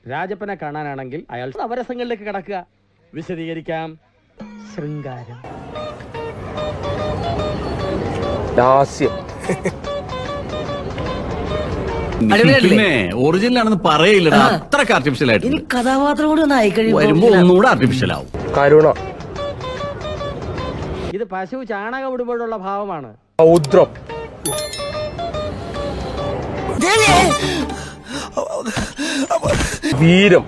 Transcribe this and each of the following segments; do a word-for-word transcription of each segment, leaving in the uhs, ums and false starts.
രാജപ്പനെ കാണാനാണെങ്കിൽ അയാൾ നവരസങ്ങളിലേക്ക് കടക്കുക. വിശദീകരിക്കാം. ശൃംഗാരം, ലാസ്യം. പിന്നെ ഒറിജിനൽ ആണെന്ന് പറയില്ല, അത്രക്ക് ആർട്ടിഫിഷ്യൽ ആയിട്ട്. കഥാപാത്രം കൂടി ഒന്ന് ആയിക്കഴിയുമ്പോ വരുമ്പോ ഒന്നുകൂടെ ആർട്ടിഫിഷ്യൽ ആവും. കരുണ. ഇത് പശു ചാണകം ഇടുമ്പോഴുള്ള ഭാവമാണ്. രൗദ്രം. വീരം.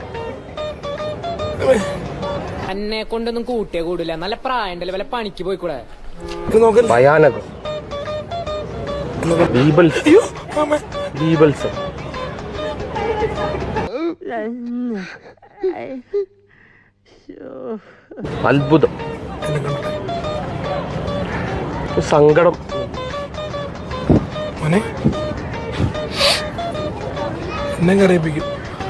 എന്നെ കൊണ്ടൊന്നും കൂട്ടിയേ കൂടില്ല. നല്ല പ്രായണ്ടല്ലേ, വല്ല പണിക്ക് പോയിക്കൂടെ. ഭയാനകം. ബീബൽസം. അത്ഭുതം. സങ്കടം. എന്നെ കറിയിപ്പിക്കും.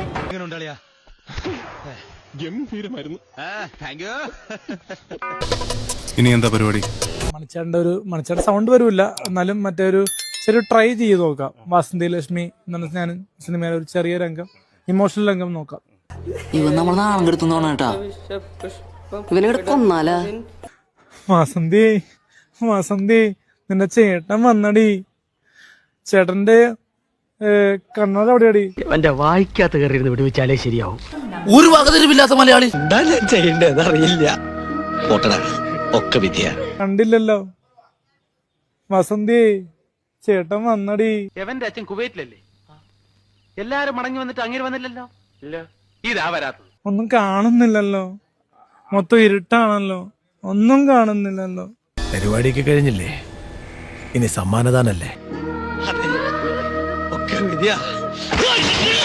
ഇനി എന്താ പരിപാടി? മണിച്ചാടിന്റെ ഒരു മണിച്ചാടിന്റെ സൗണ്ട് വരൂല്ല, എന്നാലും മറ്റേ ഒരു ചെറിയ ട്രൈ ചെയ്ത് നോക്കാം. വാസന്തി ലക്ഷ്മി എന്ന് ഞാൻ സിനിമയിലെ ഒരു ചെറിയ രംഗം, ഇമോഷണൽ രംഗം നോക്കാം. ഇവൻ നമ്മൾ നാണം കെടുത്തുന്നോണേട്ടാ, ഇവനെ കൊന്നാലാ. വാസന്തി, വാസന്തി, നിന്റെ ചേട്ടൻ വന്നടി. ചേട്ടന്റെ കണ്ണട എവിടെയാടി? എന്റെ വായിക്കാത്ത കയറിയിരുന്ന് വിടുവിച്ചാലേ ശരിയാവും. ഒരു വകതിരിവില്ലാത്ത മലയാളി. എന്താ ഞാൻ ചെയ്യേണ്ടത് അറിയില്ല. ഒക്കെ വിദ്യ കണ്ടില്ലല്ലോ. വസന്തി, ചേട്ടൻ വന്നടി. എവന്റെ അച്ഛൻ കുവൈറ്റിലല്ലേ? എല്ലാരും മടങ്ങി വന്നിട്ട് അങ്ങനെ വന്നില്ലല്ലോ. ഇല്ല, ഇതാ വരാത്തത്. ഒന്നും കാണുന്നില്ലല്ലോ, മൊത്തം ഇരുട്ടാണല്ലോ, ഒന്നും കാണുന്നില്ലല്ലോ. പരിപാടിയൊക്കെ കഴിഞ്ഞില്ലേ? ഇനി സമ്മാനദാനല്ലേ? ഒക്കെ വിദ്യ.